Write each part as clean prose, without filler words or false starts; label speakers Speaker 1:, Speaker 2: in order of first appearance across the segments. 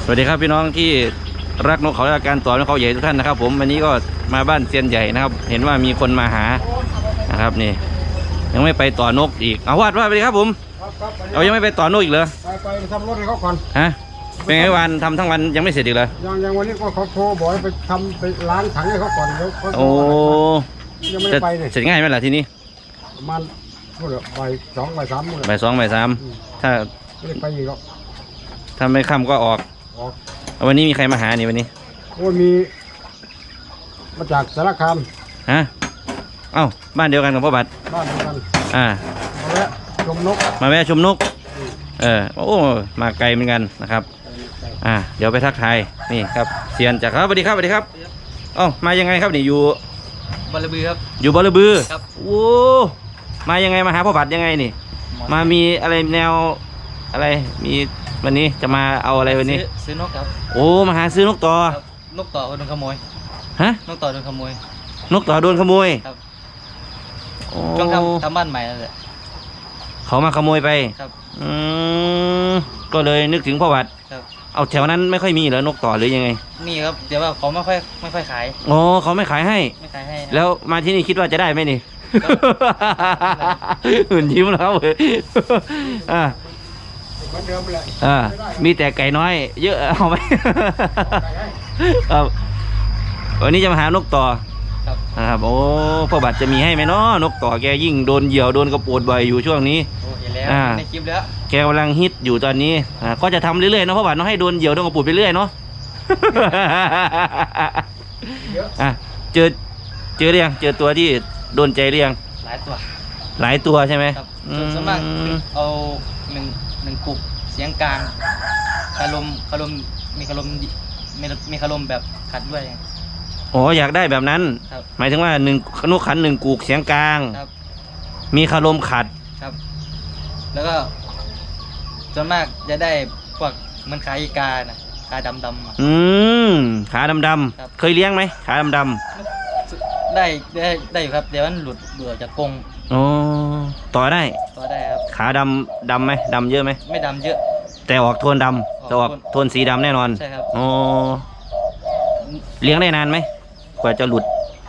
Speaker 1: สวัสดีครับพี่น้องที่รักนกเขาและการต่อนกเขาใหญ่ทุกท่านนะครับผมวันนี้ก็มาบ้านเซียนใหญ่นะครับเห็นว่ามีคนมาหานะครับนี่ยังไม่ไปต่อนกอีกเอาวาดสวัสดีครับผมเอายังไม่ไปต่อนกอีกเหรอ
Speaker 2: ไปทำรถให้เขาก่อน
Speaker 1: ฮะเป็นไงวันทำทั้งวันยังไม่เสร็จอีกเหรอ
Speaker 2: ยังวันนี้ก็เขาโทรบอกให้ไปทำไปล้างถังให้เขาก่อนเดี๋ยวเขา
Speaker 1: โอ้
Speaker 2: ยังไม่ได้ไปเลย
Speaker 1: เสร็จง่ายไหมล่ะทีนี้
Speaker 2: ประมาณเมื่อบ่ายสองบ่ายสามถ้าไม่ได้ไปอีกหรอก
Speaker 1: ถ้าไม่ค่ำก็ออกวันนี้มีใครมาหานี่วันนี้
Speaker 2: โอ้มีมาจากสารคาม
Speaker 1: ฮะเอ้าบ้านเดียวกันกับพ่อบัตร
Speaker 2: บ้านเดียวกันมาแวะชมนกโอ้
Speaker 1: มาไกลเหมือนกันนะครับเดี๋ยวไปทักทายนี่ครับเซียนจากครับสวัสดีครับสวัสดีครับเอ้ามายังไงครับนี่อยู่
Speaker 3: บอลบือครับ
Speaker 1: อยู่บอลบือ
Speaker 3: ครับ
Speaker 1: โอ้มายังไงมาหาพ่อบัตรยังไงนี่มามีอะไรแนวอะไรมีวันนี้จะมาเอาอะไรวันนี้
Speaker 3: ซื้อนกครับ
Speaker 1: โอ้มาหาซื้อนกต่
Speaker 3: อนกต่อโดนขโมย
Speaker 1: ฮะ
Speaker 3: นกต่อโดนขโมย
Speaker 1: นกต่อโดนขโมย
Speaker 3: ครับต้องทำบ้านใหม่แล้วแหละ
Speaker 1: เขามาขโมยไป
Speaker 3: ครับ
Speaker 1: ก็เลยนึกถึงพ่อบัตรเอาแถวนั้นไม่ค่อยมีเหรอนกต่อหรือยังไง
Speaker 3: มีครับเดี๋ยวว่าเขาไม่ค่อยขาย
Speaker 1: อ๋อเขาไม่ขายให้แล้วมาที่นี่คิดว่าจะได้ไหมนี่หุ่นยิ้มแล้วเลยมีแต่ไก่น้อยเยอะเอาไหมวันนี้จะมาหานกต่อครับโอ้พ่อบัตรจะมีให้ไหมเนาะนกต่อแกยิ่งโดนเหยี่ยวโดนกระปูดบ่อยอยู่ช่วงนี้
Speaker 3: ในคลิปแล้ว
Speaker 1: แกกำลังฮิตอยู่ตอนนี้ก็จะทำเรื่อยๆเนาะพ่อบัตรเนาะให้โดนเหยี่ยวโดนกระปูดไปเรื่อยเนาะเจอเรียงเจอตัวที่โดนใจเรียง
Speaker 3: หลายตัว
Speaker 1: ใช่ไหม
Speaker 3: ส่วนมากเอาหนึ่งกุกเสียงกลางคารมมีคารมแบบขัดด้วย
Speaker 1: อ๋ออยากได้แบบนั้นหมายถึงว่าหนึ่งนกขันหนึ่งกุกเสียงกลางมีคารมขัด
Speaker 3: ครับแล้วก็ส่วนมากจะได้พวกมันขาอีกานะขาดำ
Speaker 1: ขาดำเคยเลี้ยงไหมขาดำ
Speaker 3: ได้อยู่ครับเดี๋ยวมันหลุดเบื่อจากกรง
Speaker 1: อ๋อต่อได้
Speaker 3: ครับ
Speaker 1: ขาดำไหมดำเยอะไหม
Speaker 3: ไม่ดำเยอะ
Speaker 1: แต่ออกโทนดำจะออกโทนสีดำแน่นอน
Speaker 3: ใช่ครับ
Speaker 1: อ๋อเลี้ยงได้นานไหมกว่าจะหลุด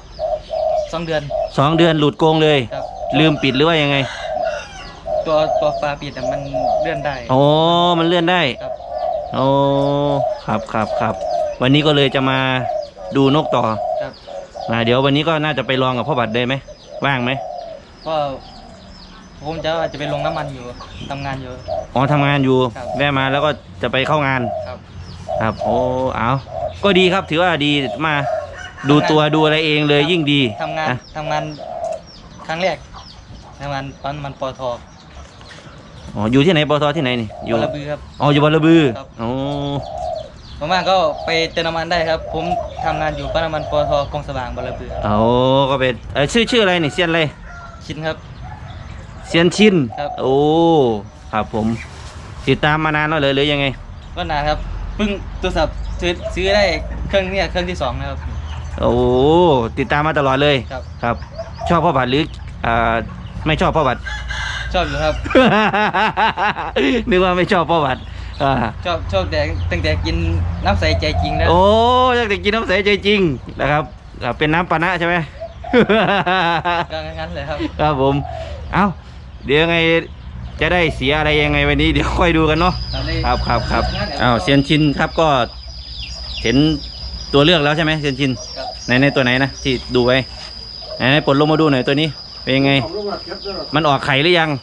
Speaker 3: 2 เดือน
Speaker 1: หลุดกรงเลยลืมปิดหรือว่ายังไง
Speaker 3: ตัวฝาปิดแต่มันเลื่อนได้
Speaker 1: อ๋อมันเลื่อนได้โอ้ครับวันนี้ก็เลยจะมาดูนกต่อเดี๋ยววันนี้ก็น่าจะไปลองกับพ่อบัตรได้ไหมว่างไหม
Speaker 3: ก็ผมจะไปลงน้ำมันอยู่ทำงานอยู่
Speaker 1: อ๋อทำงานอยู่แวะมาแล้วก็จะไปเข้างานครับโอ้เอาก็ดีครับถือว่าดีมาดูตัวดูอะไรเองเลยยิ่งดี
Speaker 3: ทำงานครั้งแรกทำงานปั๊มมันปตท.
Speaker 1: อ๋ออยู่ที่ไหนปตท.ที่ไหนนี่
Speaker 3: อยู่บอระบือครับ
Speaker 1: อ๋ออยู่บอระบือโอ้
Speaker 3: ผมก็ไปเติมน้ำมันได้ครับผมทำงานอยู่ปั๊มน้ำมันปตท.คลองสว่างบอระบือ
Speaker 1: โอ้ก็เป็นชื่ออะไรนี่เซียนอะไร
Speaker 3: ชินครับ
Speaker 1: เซียนชิน
Speaker 3: ครับ
Speaker 1: โอ้ครับผมติดตามมานานแล้วเลยหรือยังไง
Speaker 3: ก็นานครับเพิ่งโทรศัพท์ซื้อได้เครื่องที่ 2นะครับ
Speaker 1: โอ้ติดตามมาตลอดเลยครับชอบพ่อบัตรหรือไม่ชอบพ่อบัตร
Speaker 3: ชอบอยู่ครับ
Speaker 1: นึกว่าไม่ชอบพ่อบัตร
Speaker 3: ชอบแต่ตั้งแต่กินน้ำใสใจจริงแล้ว
Speaker 1: โอ้ตั้งแต่กินน้ำใสใจจริงนะครับเป็นน้ำปานะใช่ไหม
Speaker 3: ก็งั้นเลยครับ
Speaker 1: ครับผมเอ้าเดี๋ยวไงจะได้เสียอะไรยังไงวันนี้เดี๋ยวค่อยดูกันเนาะครับเซียนชินครับก็เห็นตัวเลือกแล้วใช่ไหมเซียนชินในตัวไหนนะที่ดูไว้ไหนปลดลงมาดูหน่อยตัวนี้เป็นยังไงมันออกไข่หรือยัง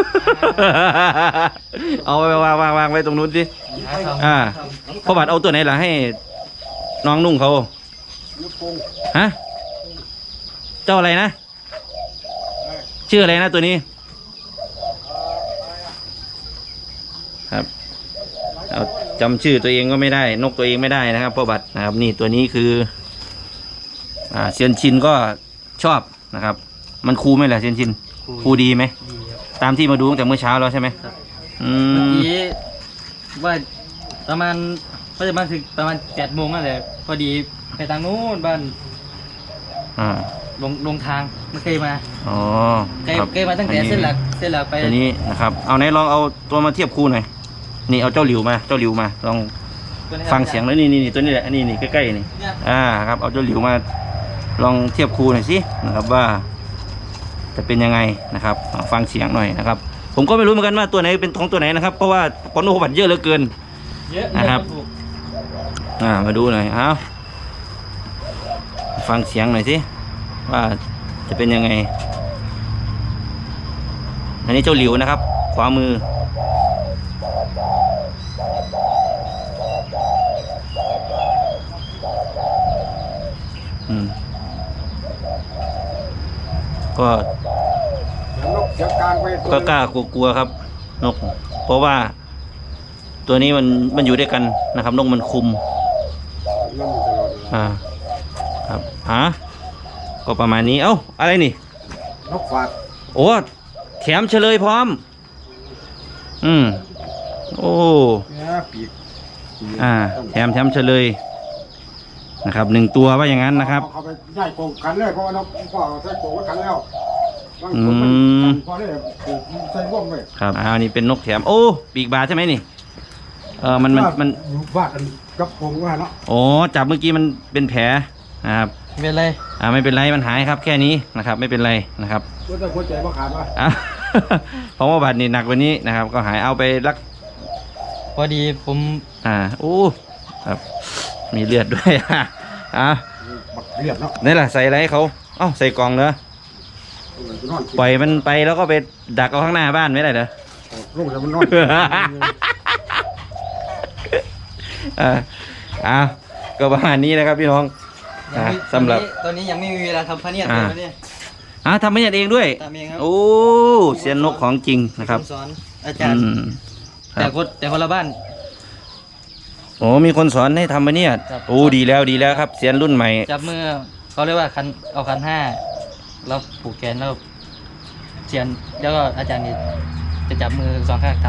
Speaker 1: เอาไปวางไว้ตรงนู้นสิพ่อบัตรเอาตัวไหนล่ะให้น้องนุ่งเขาฮะเจ้าอะไรนะชื่ออะไรนะตัวนี้ครับเอาจำชื่อตัวเองก็ไม่ได้นกตัวเองไม่ได้นะครับพ่อบัตรนะครับนี่ตัวนี้คือเซียนชินก็ชอบนะครับมันคูไหมล่ะเซียนชินคูดีไหมตามที่มาดูตั้งแต่เมื่อเช้าแล้วใช่ไหม
Speaker 3: เมื่อกี้ว่าประมาณก็จะมาถึงประมาณ7 โมงนั่นแหละพอดีไปทางนู้นบ้านลงทางไม่เคยมา
Speaker 1: อ๋อ
Speaker 3: เคยมาตั้งแต่เส้นหลักไป
Speaker 1: ตัวนี้นะครับเอาไหนลองเอาตัวมาเทียบคู่หน่อยนี่เอาเจ้าหลิวมาลอง
Speaker 3: ตัวนี้
Speaker 1: ฟังเสียงแล้วนี่ตัวนี้แหละนี่ใกล้ๆนี่
Speaker 3: เนี่ย
Speaker 1: ครับเอาเจ้าหลิวมาลองเทียบครูหน่อยสินะครับว่าจะเป็นยังไงนะครับฟังเสียงหน่อยนะครับผมก็ไม่รู้เหมือนกันว่าตัวไหนเป็นของตัวไหนนะครับเพราะว่าปอนโนบัตเยอะเหลือเกิน
Speaker 3: เยอะ
Speaker 1: นะครับ
Speaker 3: ถูก
Speaker 1: มาดูหน่อยเอาฟังเสียงหน่อยสิว่าจะเป็นยังไงอันนี้เจ้าหลิวนะครับขวามือก็
Speaker 2: เดี๋ยวนกเสียงกลางไปตัว
Speaker 1: ก็กล้ากลัวๆครับนกเพราะว่าตัวนี้มันอยู่ด้วยกันนะครับนกมันคุม
Speaker 2: นั่นมันตลอดเวลา
Speaker 1: ครับก็ประมาณนี้เอ้าอะไรนี่
Speaker 2: นกฝาก
Speaker 1: โอ้แถมเฉลยพร้อมโอ้
Speaker 2: เนี่ยปีก
Speaker 1: แถมเฉลยนะครับ1 ตัวว่าอย่างนั้นนะครับ
Speaker 2: เขาไปย้ายโกงกันเลยเพราะว่านกพ่อใส่โกงไว้กันแล้วบาง
Speaker 1: อื
Speaker 2: คนมัน
Speaker 1: ม
Speaker 2: พอได้ปลูกใส่ร่วมเลย
Speaker 1: ครับนี่เป็นนกแถมโอ้ปีกบาดใช่ไหมนี่มัน
Speaker 2: อยู่บ้านกันกับโกงว่าเนาะ
Speaker 1: โอ้จับเมื่อกี้มันเป็นแผลนะครับ
Speaker 3: ไม่เป็นไร
Speaker 1: ไม่เป็นไรมันหายครับแค่นี้นะครับไม่เป็นไรนะครับ
Speaker 2: ก็จะหัวใจมาขาดว่า
Speaker 1: เพราะว่าบาดนี่หนักกว่านี้นะครับ ก็หายเอาไปรัก
Speaker 3: พอดีผม
Speaker 1: โอ้ครับมีเลือดด้วย
Speaker 2: บักเรียบเนาะ
Speaker 1: นี่แหละใส่อะไรให้เขาใส่กล่องเนอะปล่อยมันไปแล้วก็ไปดักเอาข้างหน้าบ้านไม่ได้เหรอ
Speaker 2: ลูกจะมันนอน
Speaker 1: ก็ประมาณนี้นะครับพี่น้อง
Speaker 3: ยังไม่
Speaker 1: สำหรับ
Speaker 3: ตอนนี้ยังไม่มีเวลาทำพะเนียดเลยวันนี้
Speaker 1: ทำไม่ยัดเองด้วย
Speaker 3: ทำเองครับ
Speaker 1: โอ้เซียนนกของจริงนะครับ
Speaker 3: สอนอาจารย์
Speaker 1: ครับ
Speaker 3: แต่คนละบ้าน
Speaker 1: โอ้มีคนสอนให้ทำมาเนี่ย
Speaker 3: ครับ
Speaker 1: โอ้ดีแล้วครับเซียนรุ่นใหม่
Speaker 3: จับมือเขาเรียกว่าเอาคัน5แล้วผูกแขนแล้วเชียนแล้วก็อาจารย์นี่จะจับมือ2 ข้างท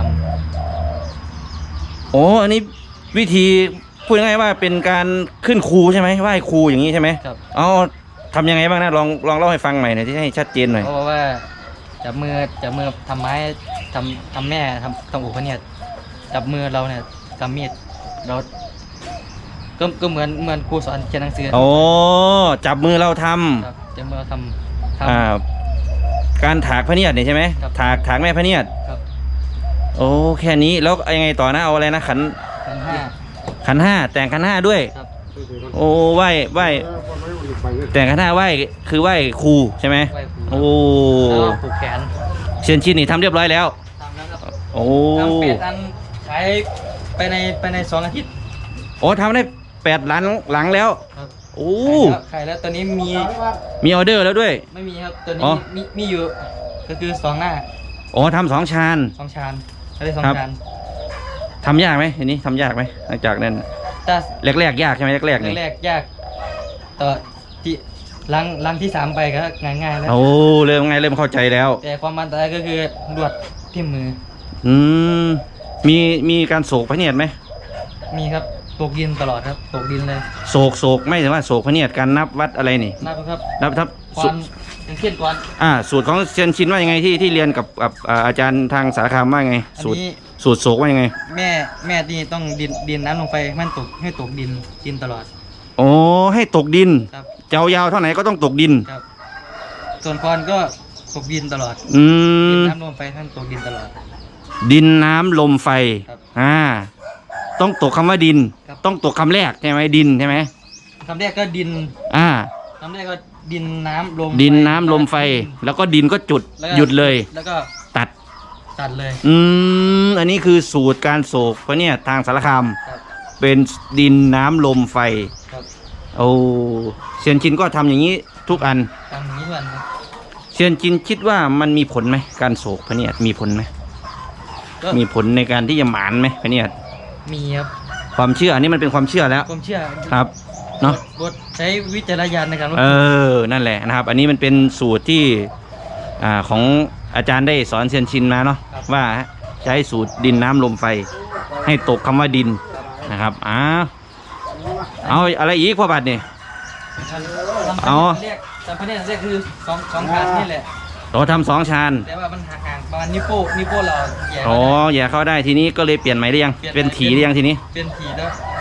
Speaker 1: โอ้อันนี้วิธีพูดง่ายๆว่าเป็นการขึ้นครูใช่ไหมไหว้ครูอย่างนี้ใช่ไหม
Speaker 3: ำครับ
Speaker 1: เอาทำยังไงบ้างนะลองเล่าให้ฟังใหม่หน่อยที่ให้ชัดเจนหน่อย
Speaker 3: เขาบอกว่าจับมือทำไม้ทำแม่ทำอุปเนี่ยจับมือเราเนี่ยกำมีดเราก็เหมือนครูสอนเขียนหนังสือ
Speaker 1: โอ้จับมือเราท
Speaker 3: ครับจับมือเราท
Speaker 1: ำการถากพระเนียดเนี่ยใช่ไหม
Speaker 3: ครับ
Speaker 1: ถากแม่พระเนียด
Speaker 3: ำครับ
Speaker 1: โอ้แค่นี้แล้วยังไงต่อนะเอาอะไรนะขัน
Speaker 3: คัน
Speaker 1: ขัน 5แต่งขัน 5ด้วย
Speaker 3: 5ครับ
Speaker 1: โอ้ไหว้แต่งขัน 5ไหว้คือไหว้ครูใช่ไหม
Speaker 3: ไหว้ครู
Speaker 1: โอ้
Speaker 3: แล้วก็ผูกแขน
Speaker 1: เชียนชินนี่ทำเรียบร้อยแล้ว
Speaker 3: ทำแล้วครับ
Speaker 1: โอ้
Speaker 3: ทำ8 อันขายไปใน2 อาทิตย์
Speaker 1: โอ้ทำได้8 หลังแล้ว
Speaker 3: ครับ
Speaker 1: โอ้
Speaker 3: ขายแล้วตอนนี้
Speaker 1: มีออเดอร์แล้วด้วย
Speaker 3: ไม่มีครับตัว
Speaker 1: อ๋
Speaker 3: นี้
Speaker 1: อ
Speaker 3: มีอยู่ก็คือ2 หน้า
Speaker 1: โอ้ทำ2 ชาน
Speaker 3: 2 ชานอะไร2
Speaker 1: ครับ
Speaker 3: ชาน
Speaker 1: ทำยากไหมทีนี้ทำยากไหมหลังจากนั้น
Speaker 3: แต่
Speaker 1: แรกๆยากใช่ไหมแรกๆนี่
Speaker 3: แรกๆยากต่อที่ลังที่ 3ไปก็ง่ายๆแล้ว
Speaker 1: โอ้เริ่มเข้าใจแล้ว
Speaker 3: แต่ความมันตายก็คือลวดที่มือ
Speaker 1: อืมมีการโศกพระเนียดไหม
Speaker 3: มีครับตกดินตลอดครับตกดินเลย
Speaker 1: โศกไม่ใช่ว่าโศกพระเนียดการนับวัดอะไรนี่
Speaker 3: นับครับ
Speaker 1: นับทับ
Speaker 3: ก่อนอย่างเช่นก่อน
Speaker 1: สูตรของเซียนชินว่ายังไงที่เรียนกับอาจารย์ทางสารคามว่ายังไง
Speaker 3: อัน
Speaker 1: สูตร
Speaker 3: นี้
Speaker 1: โศกว่ายังไง
Speaker 3: แม่ที่ต้องดินน้ำลงไปให้มันให้ตกดินตลอด
Speaker 1: โอ้ให้ตกดิน
Speaker 3: ครับ
Speaker 1: เจ้ายาวเท่าไหนก็ต้องตกดิน
Speaker 3: ครับ ส่วนพรก็ตกดินตลอด
Speaker 1: อื
Speaker 3: ดิน
Speaker 1: ม
Speaker 3: น้ำลงไปให้มันตกดินตลอด
Speaker 1: ดินน้ำลมไฟ
Speaker 3: ครับ
Speaker 1: ต้องตกคำว่าดิน
Speaker 3: ครับ
Speaker 1: ต้องตกคำแรกใช่ไหมดินใช่ไหม
Speaker 3: คำแรกก็ดิน
Speaker 1: อ่า
Speaker 3: คำแรกก็ดินน้ำลม
Speaker 1: ดินน้ำลมไฟ แล้วก็ดินก็จุด
Speaker 3: แล้วก็
Speaker 1: หยุดเลย
Speaker 3: แล้วก็
Speaker 1: ตัด
Speaker 3: ตัดเลย
Speaker 1: อันนี้คือสูตรการโศกเพราะเนี่ยทางสารคาม
Speaker 3: ครับ
Speaker 1: เป็นดินน้ำลมไฟ
Speaker 3: ครับ
Speaker 1: โอ้เซียนชินก็ทำอย่างนี้ทุกอัน
Speaker 3: ทำอย่างนี้ทุกวันครับ
Speaker 1: เซียนจินคิดว่ามันมีผลไหมการโศกพระเนียดมีผลไหม
Speaker 3: ก็
Speaker 1: มีผลในการที่จะหมานไหมพระเนียด
Speaker 3: มีครับ
Speaker 1: ความเชื่ออันนี้มันเป็นความเชื่อแล้ว
Speaker 3: ผมเชื่อ
Speaker 1: ครับเนาะ
Speaker 3: บทใช้วิจารณญาณในการรับ
Speaker 1: นั่นแหละนะครับ อันนี้มันเป็นสูตรที่ของอาจารย์ได้สอนเซียนชินมาเนาะว่าใช้สูตรดินน้ำลมไฟ ให้ตกคำว่าดินนะครับเอาอะไรอีกพ่อบัตรนี่ เอา
Speaker 3: เรียกแต่พระเนตรเรียกคือสองขานี่แหละ
Speaker 1: เราทำ2 ชาน
Speaker 3: แต่ว่ามันห่างประมาณนิ้วโป้งเราแย่
Speaker 1: อ๋ออย่าเข้าได้ทีนี้ก็เลยเปลี่ยนใหม่หรือยังเป็นถีหรือยังทีนี้
Speaker 3: เป็นถีแล้ว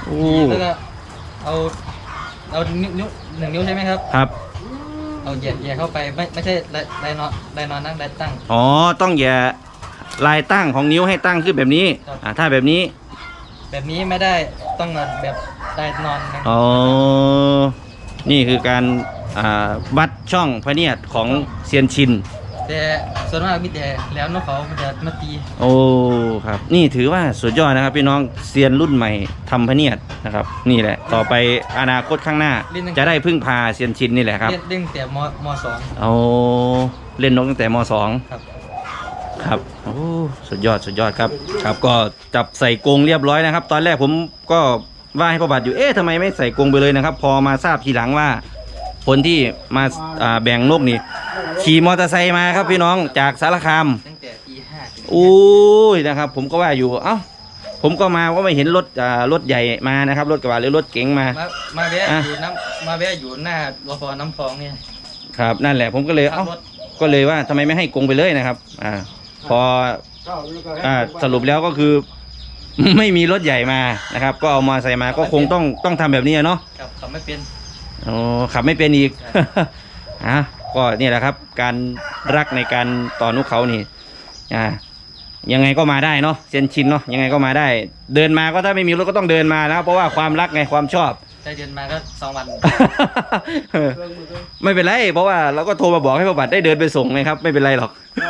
Speaker 1: โอ้
Speaker 3: แล้วก็เอานิ้วหนึ่งนิ้วใช่ไหมครับ
Speaker 1: ครับ
Speaker 3: เอาเหยียดเข้าไปไม่ใช่ไดนอนนั่งไดตั้ง
Speaker 1: อ๋อต้องอย่าลายตั้งของนิ้วให้ตั้งขึ้นแบบนี้
Speaker 3: ครับ
Speaker 1: ถ้าแบบนี้
Speaker 3: แบบนี้ไม่ได้ต้องแบบไดนอนนะ
Speaker 1: อ๋อนี่คือการวัดช่องพระเนียดของเซียนชิน
Speaker 3: แต่ส่วนมากมีแต่แล้วนกเขามันจะมาตี
Speaker 1: โอ้ครับนี่ถือว่าสุดยอดนะครับพี่น้องเซียนรุ่นใหม่ทำพระเนียดนะครับนี่แหละต่อไปอนาคตข้างหน้า จะได้พึ่งพาเซียนชินนี่แหละครับ
Speaker 3: เล่นแต่มสอง
Speaker 1: เอาเล่นนกตั้งแต่ม .2
Speaker 3: ครับ
Speaker 1: ครับโอ้สุดยอดครับครับก็จับใส่กรงเรียบร้อยนะครับ ตอนแรกผมก็ว่าให้พ่อบัตรอยู่ทำไมไม่ใส่กรงไปเลยนะครับ พอมาทราบทีหลังว่าคนที่มาแบ่งนกนี่ขี่มอเตอร์ไซค์มาครับพี่น้องจากสารคาม
Speaker 3: ตั้งแต่ตี 5ถึง
Speaker 1: อุ้ยนะครับ ผมก็ว่าอยู่ผมก็มาก็ไม่เห็นรถใหญ่มานะครับรถกระบะหรือรถเก๋งมา
Speaker 3: มาแวะอยู่มาแวะอยู่หน้ารพน้ำพองเนี่ย
Speaker 1: ครับนั่นแหละผมก็เลย
Speaker 3: ขับรถ
Speaker 1: ก็เลยว่าทำไมไม่ให้กรงไปเลยนะครับพอสรุปแล้วก็คือ ไม่มีรถใหญ่มานะครับ ก็เอามาใส่มาก็คงต้องทำแบบนี้เนาะ
Speaker 3: ครับขับไม่เป็น
Speaker 1: อ๋อขับไม่เป็นอีก ก็นี่แหละครับ การรักในการต่อนกเขานี่ยังไงก็มาได้เนาะเซียนชินเนาะยังไงก็มาได้ เดินมาก็ถ้าไม่มีรถก็ต้องเดินมานะครับเพราะว่าความรักไงความชอบ
Speaker 3: ได้เดินมาก็2 วัน
Speaker 1: ไม่เป็นไรเพราะว่าเราก็โทรมาบอกให้พ่อบัตรได้เดินไปส่งไงครับ ไม่เป็นไรหรอก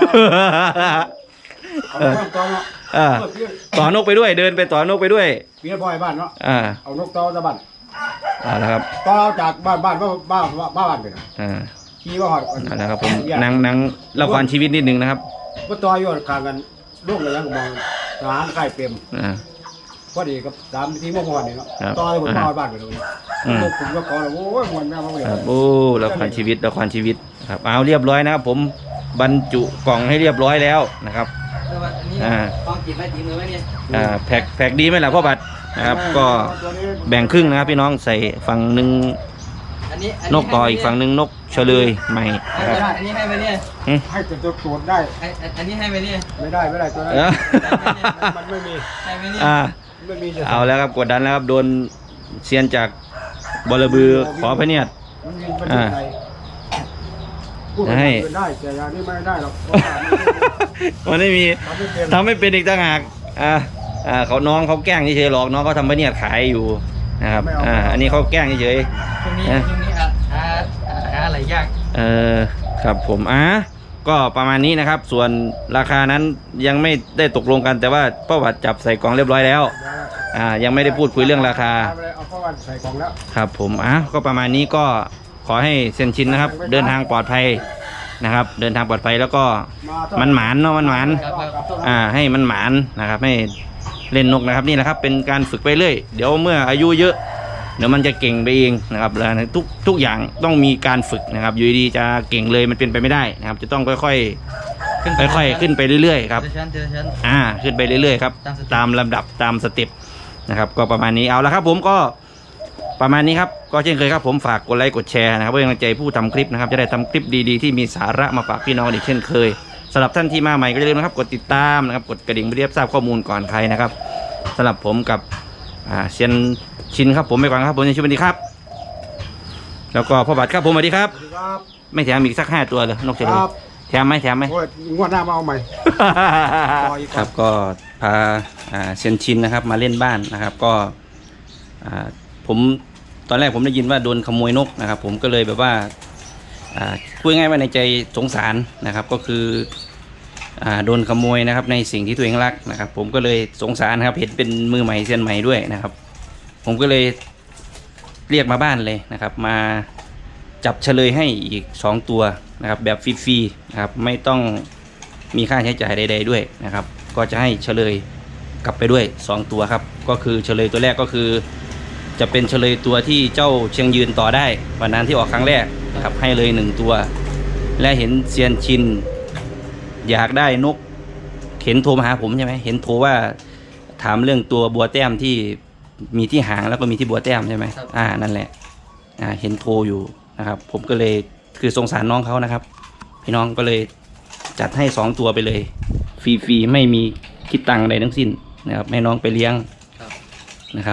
Speaker 1: ต่อนกไปด้วยเดินไปต่อนกไปด้วย
Speaker 2: เมียพ่อยบ้านเนาะ เอานกต่อตะบัน
Speaker 1: นะครับ
Speaker 2: ต่อจากบ้านไปนะขี่ว่าหอด
Speaker 1: นะครับผมนังละครชีวิตนิดนึงนะครับ
Speaker 2: ก็ต่ออยู่ข้างกันลูกเลยยังมองร้านไข่เต็มพอดีกับ3 ทีเมื่อวานนี่เนาะต่อให้ผมมาบ้านไปเลยลูกผมก็ขอเลยโอ้ยมันแม่มาเลย
Speaker 1: โอ้ละครชีวิตครับเอาเรียบร้อยนะครับผมบรรจุกล่องให้เรียบร้อยแล้วนะครับ
Speaker 3: ต้องกินไหมตีมือไหมเนี่ย
Speaker 1: แพ็กดีไหมล่ะพ่อบัตรนะครับก็แบ่งครึ่งนะครับพี่น้องใส่ฝั่งหนึ่งนกต่ออีกฝั่งหนึ่งนกเฉลยใหม่นะครับ
Speaker 3: อันนี้ให้ไปเนี่ย
Speaker 2: ให้ตัวตรวจได้
Speaker 3: อันนี้ให้ไปเนี่ย
Speaker 2: ไม่ได้ตัวนั้นมันไม่มี
Speaker 3: ให้ไปเนี่ย
Speaker 2: ไม่มี
Speaker 1: เอาแล้วครับกดดันแล้วครับโดนเซียนจากบลบือขอพระเนียด
Speaker 2: มันยิงไปที่ไหนพูดได้แต่อย่างนี้ไม่ได้หรอก
Speaker 1: มันไม่มีทำไม่เป็นอีกต่างหากเขาน้องเขาแกล้งเฉยๆหรอกน้องเขาทำพระเนียดขายอยู่นะครับอันนี้เขาแกล้งเฉย
Speaker 3: ช่วงนี้หาอะไรยาก
Speaker 1: ครับผมก็ประมาณนี้นะครับ ส่วนราคานั้นยังไม่ได้ตกลงกันแต่ว่าพ่อบัตรจับใส่กล่องเรียบร้อยแล้วยังไม่ได้พูดคุยเรื่องราคา
Speaker 2: เอาเข้าวันใส่กล่องแล้ว
Speaker 1: ครับผมก็ประมาณนี้ก็ขอให้เซียนชินนะครับ เดินทางปลอดภัยนะครับ เดินทางปลอดภัยแล้วก็มันหมานเนาะมันหมานให้มันหมานนะครับให้เล่นนกนะครับนี่แหละครับเป็นการฝึกไปเรื่อยเดี๋ยวเมื่ออายุเยอะเดี๋ยวมันจะเก่งไปเองนะครับแล้วทุกอย่างต้องมีการฝึกนะครับอยู่ดีจะเก่งเลยมันเป็นไปไม่ได้นะครับจะต้องค่อยๆขึ้นไปเรื่อยๆครับขึ้นไปเรื่อยๆครับตามลำดับตามสเต็ปนะครับก็ประมาณนี้เอาละครับผมก็ประมาณนี้ครับก็เช่นเคยครับผมฝากกดไลค์กดแชร์นะครับเพื่อเป็นกำลังใจผู้ทำคลิปนะครับจะได้ทำคลิปดีๆที่มีสาระมาฝากพี่น้องอีกเช่นเคยสำหรับท่านที่มาใหม่ก็อย่าลืมนะครับกดติดตามนะครับกดกระดิ่งเพื่อทราบข้อมูลก่อนใครนะครับสำหรับผมกับเซียนชินครับผมไปก่อนครับผมในช่วงนี้ครับแล้วก็พ่อบัตรครับผมสวัสดีครับไม่แถมอีกสัก5 ตัวเลยนกเฉลยแถมไหม
Speaker 2: โอ้ยงวดหน้ามาเอาใหม่
Speaker 1: ครับก็พาเซียนชินนะครับมาเล่นบ้านนะครับก็ผมตอนแรกผมได้ยินว่าโดนขโมยนกนะครับผมก็เลยแบบว่าพูดง่ายว่าในใจสงสารนะครับก็คือโดนขโมยนะครับในสิ่งที่ตัวเองรักนะครับผมก็เลยสงสารนะครับเห็นเป็นมือใหม่เซียนใหม่ด้วยนะครับผมก็เลยเรียกมาบ้านเลยนะครับมาจับเฉลยให้อีก2 ตัวนะครับแบบฟรีๆนะครับไม่ต้องมีค่าใช้จ่ายใดๆด้วยนะครับก็จะให้เฉลยกลับไปด้วย2 ตัวครับก็คือเฉลยตัวแรกก็คือจะเป็นเฉลยตัวที่เจ้าเชียงยืนต่อได้วันนั้นที่ออกครั้งแรกนะครับให้เลย1 ตัวและเห็นเซียนชินอยากได้นกเห็นโทรมาหาผมใช่ไหมเห็นโทรว่าถามเรื่องตัวบัวแต้มที่มีที่หางแล้วก็มีที่บัวแต้มใช่ไหมนั่นแหละเห็นโทรอยู่นะครับผมก็เลยคือสงสารน้องเขานะครับพี่น้องก็เลยจัดให้2 ตัวไปเลยฟรีๆไม่มีคิดตังค์ใดทั้งสิ้นนะครับให้น้องไปเลี้ยงนะครับ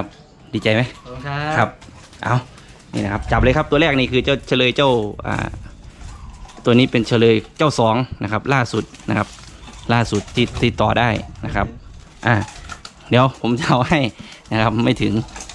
Speaker 1: ดีใจไหม
Speaker 3: ขอบคุณค
Speaker 1: ค
Speaker 3: รั
Speaker 1: รับ บเอานี่นะครับจับเลยครับตัวแรกนี่คือเจ้าเฉลยเจ้าตัวนี้เป็นเฉลยเจ้า2นะครับล่าสุดนะครับล่าสุดที่ต่อได้นะครับเดี๋ยวผมจะเอาให้นะครับไม่ถึง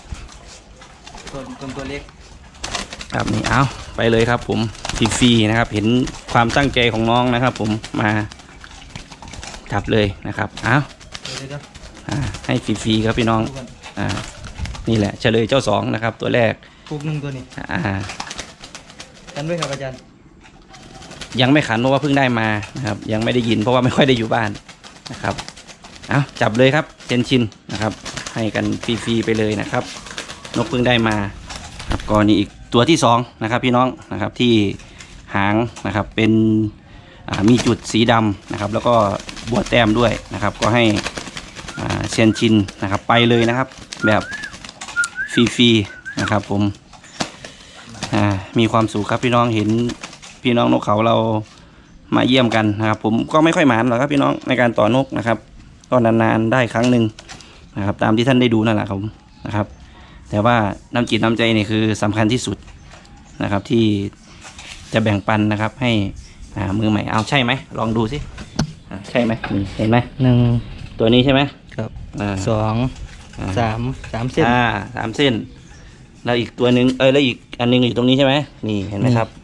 Speaker 3: ตัวเล็ก
Speaker 1: ครับนี่เอาไปเลยครับผมฟรีๆนะครับเห็นความตั้งใจของน้องนะครับ ผมมาจับเลยนะครับเอาให้ฟรีๆครับพี่น้องนี่แหละเฉลยเจ้า2นะครับตัวแรก
Speaker 3: ปุกหนึ่งตัวนี้กันด้วยครับอาจารย์
Speaker 1: ยังไม่ขันเพราะว่าเพิ่งได้มานะครับยังไม่ได้ยินเพราะว่าไม่ค่อยได้อยู่บ้านนะครับเอาจับเลยครับเซนชินนะครับให้กันฟรีๆไปเลยนะครับนกเพิ่งได้มาครับก็นี่อีกตัวที่2นะครับพี่น้องนะครับที่หางนะครับเป็นมีจุดสีดำนะครับแล้วก็บวชแต้มด้วยนะครับก็ให้เซนชินนะครับไปเลยนะครับแบบฟรีๆนะครับผมมีความสุขครับพี่น้องเห็นพี่น้องนกเขาเรามาเยี่ยมกันนะครับผมก็ไม่ค่อยหมานหรอกครับพี่น้องในการต่อนกนะครับก็นานๆได้ครั้งหนึ่งนะครับตามที่ท่านได้ดูนั่นแหละครับนะครับแต่ว่าน้ำจิตน้ำใจนี่คือสำคัญที่สุดนะครับที่จะแบ่งปันนะครับให้มือใหม่เอาใช่ไหมลองดูสิใช่ไหมเห็นไหม
Speaker 3: 1
Speaker 1: ตัวนี้ใช่ไหม
Speaker 3: ครับ2 3 เส้น
Speaker 1: 3 เส้นแล้วอีกตัวหนึ่งแล้วอีกอันนึงอยู่ตรงนี้ใช่ไหมนี่เห็นไหมครับ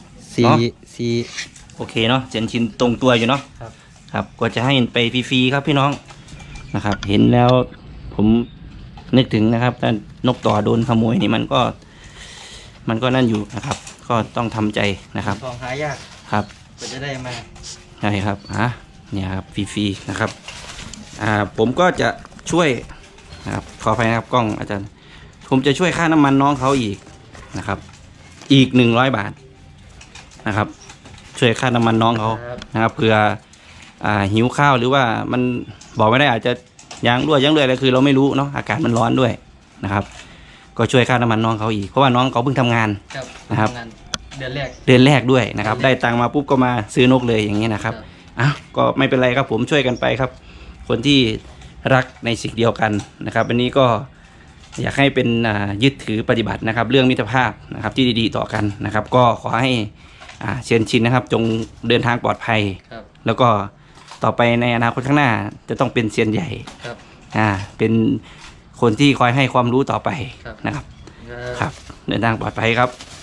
Speaker 3: 4
Speaker 1: โอเคเนาะเซนชินตรงตัวอยู่เนาะครับก็จะให้ไปฟรีๆครับพี่น้องนะครับเห็นแล้วผมนึกถึงนะครับถ้านกต่อโดนขโมยนี่มันก็นั่นอยู่นะครับก็ต้องทำใจนะครับ
Speaker 3: ของหายาก
Speaker 1: ครับ
Speaker 3: ก็จะได้มา
Speaker 1: ใช่ครับเนี่ยครับฟรีๆนะครับผมก็จะช่วยนะครับขออภัยนะครับกล้องอาจารย์ผมจะช่วยค่าน้ำมันน้องเขาอีกนะครับอีก100 บาทนะครับช่วยค่าน้ำมันน้องเขานะครับเผื่อหิวข้าวหรือว่ามันบอกไม่ได้อาจจะยางรั่วยอะไรคือเราไม่รู้เนาะอากาศมันร้อนด้วยนะครับก็ช่วยค่าน้ำมันน้องเขาอีกเพราะว่าน้องเขาเพิ่งทำงานนะครับ
Speaker 3: เดือนแรก
Speaker 1: ด้วยนะครับได้ตังมาปุ๊บก็มาซื้อนกเลยอย่างนี้นะครับก็ไม่เป็นไรครับผมช่วยกันไปครับคนที่รักในสิ่งเดียวกันนะครับวันนี้ก็อยากให้เป็นยึดถือปฏิบัตินะครับเรื่องมิตรภาพนะครับที่ดีๆต่อกันนะครับก็ขอให้เชียนชินนะครับจงเดินทางปลอดภัยแล้วก็ต่อไปในอนาคตข้างหน้าจะต้องเป็นเซียนใหญ่เป็นคนที่คอยให้ความรู้ต่อไปนะครับเดินทางปลอดภัยครับ